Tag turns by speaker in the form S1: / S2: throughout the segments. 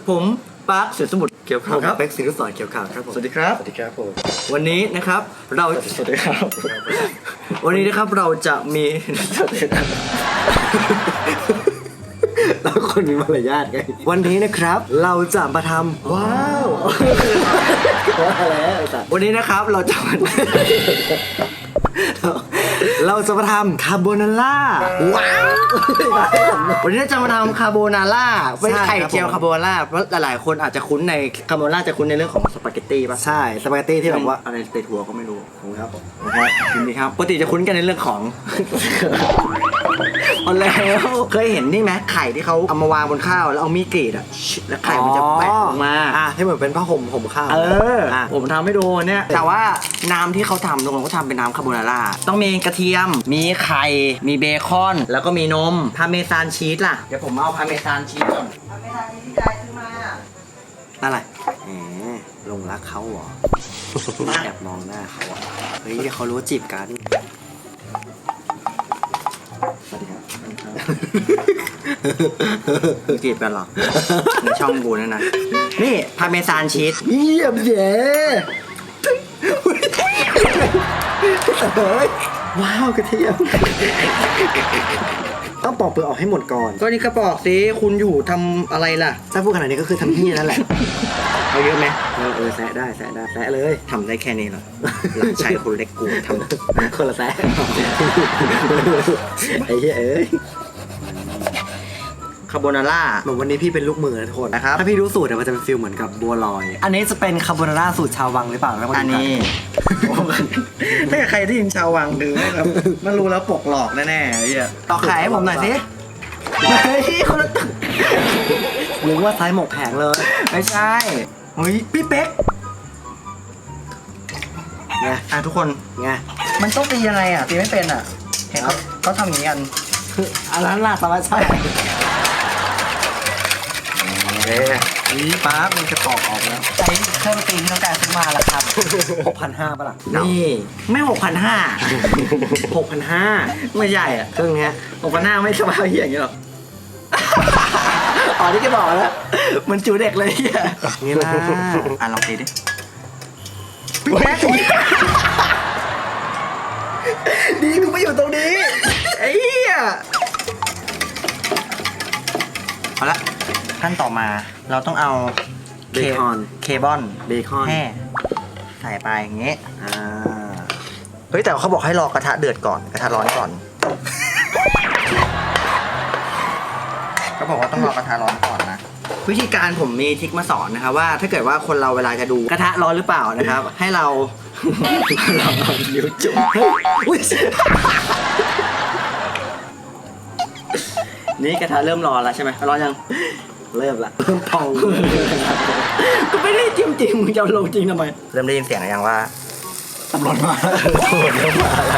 S1: ผมปาร์คเสือสมุทรเขียวขาวครับ
S2: เป็กศิริสอนเขียวขาวครับผม
S1: สวัสดีครับ
S2: สวัสดีครับผม
S1: วันนี้นะครับเรา
S2: สวัสดีครับ
S1: วันนี้นะครับเราจะมี
S2: แล้วคนมีมารยาทไงวันนี้นะครับเราจะมาทำว้าวว่าแล้วไอ้สัส
S1: วันนี้นะครับเราจะมา
S2: เราจะมาทำคาโบนาร่าว้าว
S1: วันนี้จะมาทำคาโบนาร่าเป็น
S2: ใช่
S1: ไข่
S2: ครับ
S1: เจียว
S2: ผม
S1: คาโบนาร่าเพราะหลายๆคนอาจจะคุ้นในคาโบนาร่าจะคุ้นในเรื่องของสปาเกตตี้ป่ะ
S2: ใช่สปาเกตตี้ที่แบบว่า
S1: อะไรเตทัวก็ไม่รู้
S2: ของครับผม
S1: นะครับยินดีครับปกติจะคุ้นกันในเรื่องของ เอาแล้วเคยเห็นนี่ไหมไข่ที่เขาเอามาวางบนข้าวแล้วเอามีดกรีดอ่ะแล้วไข่มันจะแปะออกมา
S2: ที่เหมือนเป็นผ้าห่มข้าว
S1: ผมทำให้ดูเนี่ยแต่ว่าน้ำที่เขาทำทุกคนเขาทำเป็นน้ำคาโบนาร่าต้องมีกระเทียม มีไข่มีเบคอนแล้วก็มีนมพาเมซานชีสล่ะเดี๋ยวผมเอาพาเมซานชีสก่อนพาเมซานชีสที่ยายซื้อมาอะไร
S2: แหมลงรักเขาเหรอแอบมองหน้าเขาอ่ะเฮ้ยเขารู้จีบกันสวัสดีครับ
S1: จีบกันเหรอในช่องกูนั่นนะนี่พาเมซานชีส
S2: เยี่ยมเย้ว้าวกระเทียมต้องปอกเปลือกออกให้หมดก่อน
S1: ก็นี่กระบอกสิคุณอยู่ทำอะไรล่ะ
S2: ถ้าพูดขนาดนี้ก็คือทำที่นั่นแหละ
S1: เอาเยอะไหม
S2: แซะได้แซะเลย
S1: ทำได้แค่นี้เหรอหลานชายคนเล็กกูทำ
S2: คนละแซะไอ้เหี้ยเอ้ย
S1: คาโบนาร่า
S2: เหมือนวันนี้พี่เป็นลูกมือนะทุกคน
S1: นะครับ
S2: ถ้าพี่รู้สูตรเนี่ยมันจะเป็นฟิลเหมือนกับบัวลอย อันนี้จะเป็นคาโบนาร่าสูตรชาววังหรือเปล่าแล้วมา
S1: อัน
S2: ดูกั
S1: นี้ ถ้าใครที่ยินชาววังดูนะครับมันรู้แล้วปกหลอกแน่ๆไอ้เหี้ยต่อขายให้ผมหน่อยสิเฮ้ยคนละตึก
S2: หรือว่าซ้ายหมกแผงเลย
S1: ไม่ใช่เฮ้ยพี่เป๊ก
S2: ไง
S1: ทุกคน
S2: ไง
S1: มันต้องตียังไงอ่ะตีไม่เป็นอ่ะเห็นเขาทำอย่างนี้กัน
S2: อันนั้นน่าสบายใช่
S1: นี่ป๊าบมันจะปอกออกแล้ว
S2: ใจเครื่องตีที่ต้องการซื้อมาราคา6,500ป่ะล่ะ
S1: นี่ไม่6,500
S2: 6,500
S1: ไม่ใช่อ่ะ
S2: เครื่องเนี้ย
S1: 6,500ไม่สบายเหี้ยอย่างนี้หรอก
S2: อ๋อที่แกบอกแล้ว
S1: มันจูเด็กเลยเหี้ย
S2: นี่นะ
S1: ลองตีดิพี่แป๊กดีกูไม่อยู่ตรงนี้ไอ้เหี้ยเอาละขั้นต่อมาเราต้องเอา
S2: เบคอน
S1: เคบอน
S2: เบคอน
S1: แห่ใส่ไปอย่างเงี้ย
S2: อ่า
S1: เฮ้ยแต่เขาบอกให้รอกระทะเดือดก่อนกระทะร้อนก่อนเขาบอกว่าต้องรอกระทะร้อนก่อนนะวิธีการผมมีทริคมาสอนนะครับว่าถ้าเกิดว่าคนเราเวลาจะดูกระทะร้อนหรือเปล่านะครับ ให้เรา เราเอานิ้วจุ่มอุ๊ยนี่กระทะเริ่มร้อนแล้วใช่ไหมร้อนยัง
S2: เริ่มละเริ่มพอง
S1: ก็ไม่ได้จิ้มจริงมึงจะเอาลงจริงทำไมเริ่มได้ยินเสียงหรือยังว่า
S2: ตำรวจมาแล้วตำรวจมาแล้ว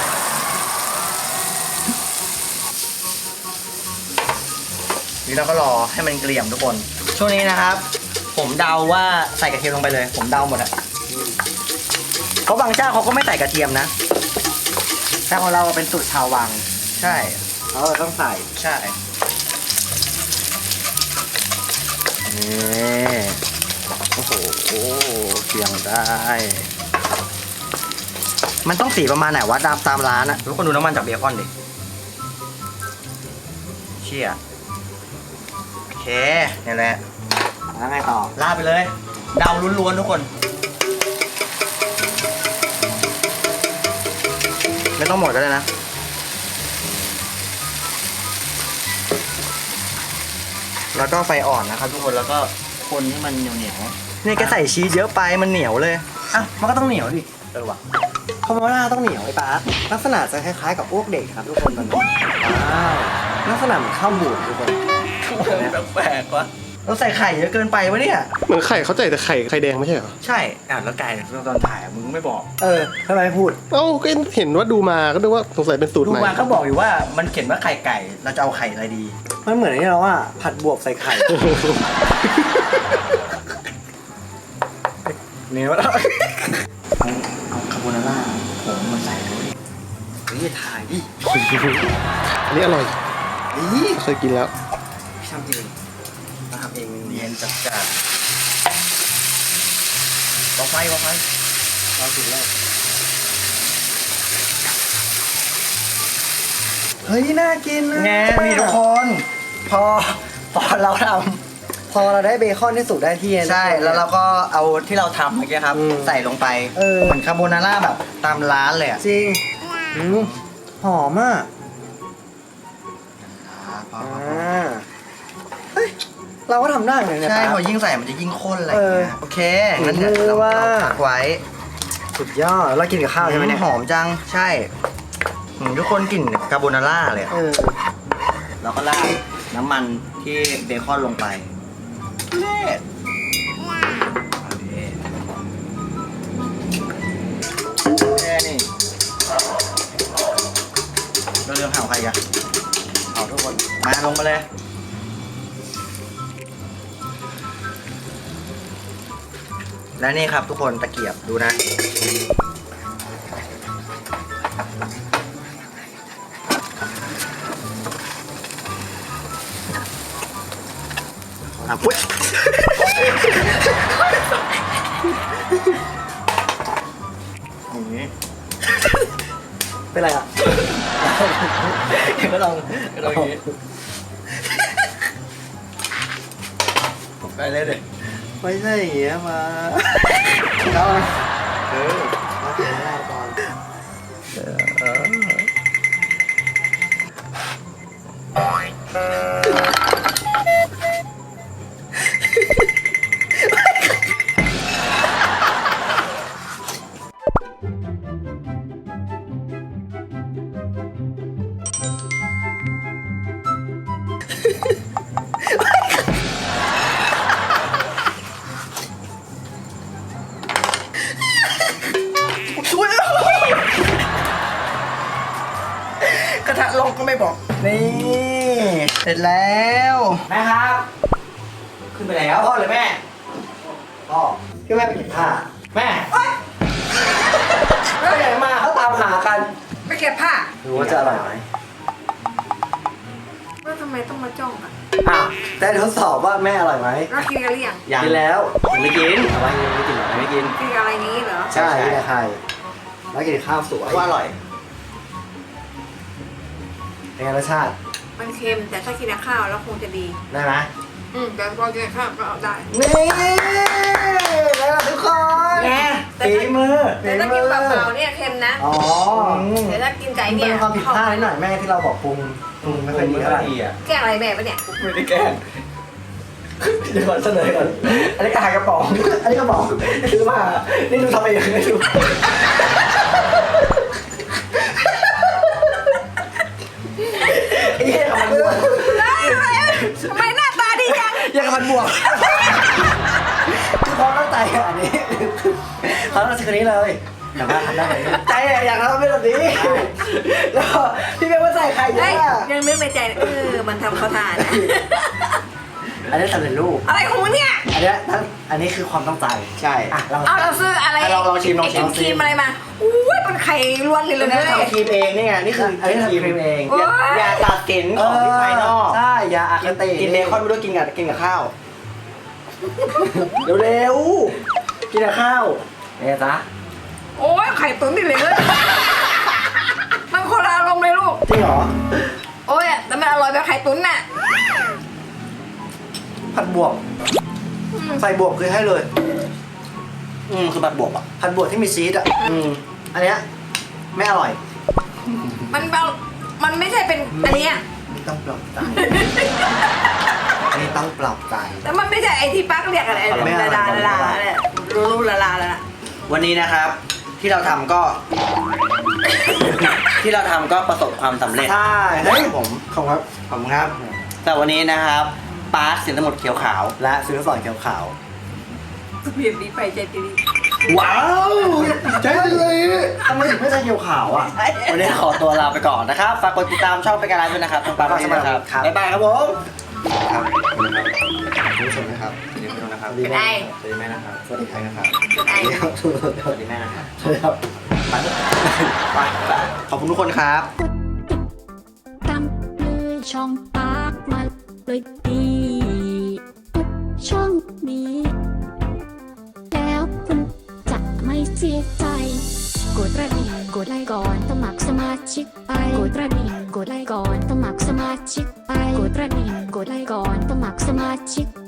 S1: นี่เราก็รอให้มันเกลี่ยมทุกคน ช่วงนี้นะครับ ผมเดาว่าใส่กระเทียมลงไปเลย ผมเดาหมดอะเพราะบางเจ้าเขาก็ไม่ใส่กระเทียมนะแต่ของเราเป็นสูตรชาววัง ใช่
S2: เราต้องใส่
S1: ใช่นี่โอ้โหเสียงได้ มันต้องสีประมาณไหนวะตามร้านอะทุกคนดูน้ำมันจากเบคอนดิเชี่ยโอเคนี่แหละ
S2: แล้วไงต่อ
S1: ลาดไปเลย เดาล้วนๆทุกคน ไม่ต้องหมดก็ได้นะ แล้วก็ไฟอ่อนนะครับทุกคนแล้วก็คนให้มันเหนียวๆนี่แกใส่ชีสเยอะไปมันเหนียวเลยอ่ะมันก็ต้องเหนียวดิว่ะ
S2: คาโบนาร่าต้องเหนียวไอ้ป๊าลักษณะจะคล้ายๆกับอ้วกเด็กครับทุกคนตอนนี้ว้าวลักษณะเหมือนข้าวบูดทุกคน
S1: แปลกๆวะเราใส่ไข่เยอะเกินไปวะเนี่ย
S3: เหมือนไข่เขาใส่แต่ไข่แดงไม่ใช่เหรอ
S1: ใช่แล้วไก่ตอนถ่ายมึงไม่บอก
S2: ทำไมไม่พูด
S3: เอ้าก็เห็นว่าดูมาก็นึกว่าสงสัยเป็นสูตร
S1: ดู
S3: ใหม่
S1: มาเขาบอกอยู่ว่ามันเขียนว่าไข่ไก่เราจะเอาไข่อะไรดี
S2: มันเหมือนที่เราว่าผัดบวบใส่ไข่
S1: เนี่ยว่าเอาคาโบนาร่าผมมาใส่ด้วยเฮ้ยถ่ายดิ
S3: อันนี้อร่อย
S1: นี่
S3: เคยกินแล้ว
S1: พี่ทำจริงมาทำเองเนียนนจัดจ้านวางไฟเราสุดแล้ว
S2: เฮ้ยน่ากินนะ
S1: ไงนี่ทุกคนพอเราท
S2: พอเราได้เบคอนที่สุกได้ที่
S1: ำใช่แล้วเราก็เอาที่เราทำเมื่อกี้ครับ ใส่ลงไป เหมือนคาโบนาร่าแบบตามร้านเลยอะ
S2: จริงหอมอ่ะเฮ้ยเราก็ทำได้เหมือนกัน
S1: ใช่
S2: นะ
S1: พอยิ่งใส่มันจะยิ่งข้นอะไรอย่างเงี้ยโอเคงั้นเดี๋ยวเราพักไว้
S2: สุดยอดเรากินกับข้าวใช่ไหมเนี่ย
S1: หอมจังใช่ทุกคนกลิ่นคาโบนาร่าเลยอะ แล้วก็ราดน้ำมันที่เบคอนลงไปเล็ดแค่นี้เราเรื่องเผาใครกันเผาทุกคน มาลงมาเลย และนี่ครับทุกคนตะเกียบดูนะ อุ๊ย อย่างนี้
S2: เป็นไรอ่ะ
S1: ก็ลองอย่างนี้ไปเลยเด็ก
S2: ไม่ใช่อย่างเงี้ยมา
S1: เอา
S2: มากินข้าวก่อน
S1: ช่วยกระทะลงก็ไม่บอก นี่เสร็จแล้วแม่ครับ ขึ้นไปแล้วพ่อหรือแม่
S2: พ่อพี่แม่ไปเก็บผ้า
S1: แม่
S2: ไปไหนมาเขาตามหากัน
S4: ไปเก็บผ้า
S2: รู้ว่าจะอร่อยไหม
S4: ว่าทำไมต้องมาจ้องอ่ะ
S2: อ่ะแต่ทดสอบว่าแม่อร่อยไหม
S4: แล้วกินกันหรือยัง
S1: ยัง
S2: กินแล้ว
S1: ยังไม่กิน
S2: อะไรยังไม่กินเหรอ
S1: ยังไม่กิน
S4: กินกับอะไรนี้เหรอ
S2: ใช่กินกับไข่แล้วกินข้าวสวย
S1: ว่าอร่อย
S2: เป็นไงรสชาติ
S4: มันเค็มแต่ถ้ากินกับข้าวแล้วคงจะดี
S2: ได้ไหม
S4: แต่พอกินกับข้าวก็เอาได้
S2: นี่แล้วทุกคน
S1: แม่ฝีมือ
S4: แต่ถ้ากินเปล่าๆเนี่ยเค็มนะ
S2: อ๋อ
S4: แต่ถ้ากินไก่
S2: เป็
S4: เนี่ย
S2: นความผิดพลาดนิดหน่อยแม่ที่เราบอกปรุงไม่ค่อยดีเท่าไหร่
S4: แกล้งอะไรแม่ปะเนี่ย
S1: ไม่ได้แกล้ง
S2: เดี๋ยวก่อนเสนอก่อนอันนี้กระหายกระป๋องอันนี้กระป๋องซื้อมานี่ดูทำเองไม่ดู
S1: ไอ้เหี้ยมันบวก
S4: ทำไมหน้าตาดีจัง
S1: ยังกับมันบวก
S2: คือพอตั้งใจอันนี้เขาต้องซื้อคนนี้เลยแต่ว่าทำได้ไหม
S1: ใจอยากทำเป็นแบบนี้แล้วพี่เบลว่าใส่ไข่เย
S4: เฮ้ย
S1: อะ
S4: ยังนึกในใจมันทำเขาทานนะ
S2: อันนี้สำเร็จรูป
S4: อะไรของมึงเนี่ย
S2: อันนี้คือความตั้งใจ
S1: ใช่
S2: อ่ะเรา
S4: เอาเราซื้ออะไร
S1: ลองชิม
S4: ไอ้ครีมอะไรมาอุ้ยเป็นไข่ล้วนเลย
S1: เรา
S4: เลย
S1: ทำครีมเองนี่ไงนี่คือ
S2: อันนี้ทำครีมเอง
S1: อย่าตัดสินของที่ภายนอก
S2: ใช่ยาอาคติ
S1: กินเบคอนไม่ด้วยกินกับข้าว
S2: เร็วๆกินกับข้าวเนี่ยจ๊ะ
S4: โอ้ยไข่ตุ๋นดิเลยมันคนละอารมณ์เลยลูก
S2: จริงเหรอ
S4: โอ้ยแต่มันอร่อยแบบไข่ตุ๋นน่ะ
S2: ผัดบวบใส่บวบคือให้เลย
S1: คือแบบบวกอ่ะ
S2: ผัดบวบที่มีชีสอ่ะอันเนี้ยไม่อร่อย
S4: มันไม่ใช่เป็นอันเนี้ย
S2: นี่ต้องปรับใจนี่ต้องปรับใจ
S4: แต่มันไม่ใช่ไอที่ปักเรียกอะไรละลาเนี่ยรู้ละลาละ
S1: วันนี้นะครับ ที่เราทำก็ ที่เราทำก็ประสบความสำเร็จ
S2: ใช่
S1: ครับผม
S2: ขอบคุณครับ
S1: ขอบคุณครับ แต่วันนี้นะครับปาร์คสินสมุทรเขียวขาว
S2: และซื้อสอนเขียวขาว
S4: เปลี่ยนดีไปใจดี
S2: ว้าวใจเลยทำไมถึงไม่ใช่เขียวขาวอ่ะ
S1: วันนี้ขอตัวลาไปก่อนนะครับ ฝากกดติดตามช่องเป็นการไลฟ์ด้วยนะครับทางปาร์คนี้นะครับ
S2: ครับ
S1: บ๊ายบายครับผมครับคุณผู้ชมนะครับเดี๋ยวไปดูนะครับ
S4: เป็นไง
S1: สวัสดีแม่นะครับสวัสดีใครนะครับ
S4: เป็นไง
S1: สวัสดีแม่นะครับ
S2: ใช่ครับ
S1: ไปขอบคุณทุกคนครับ
S5: ตามเลยช่องปากมาเลยดีทุกช่องเสียใจกดกระดิ่งกดไลค์ก่อนสมัครสมาชิกไปกดกระดิ่งกดไลค์ก่อนสมัครสมาชิกไปกดกระดิ่งกดไลค์ก่อนสมัครสมาชิก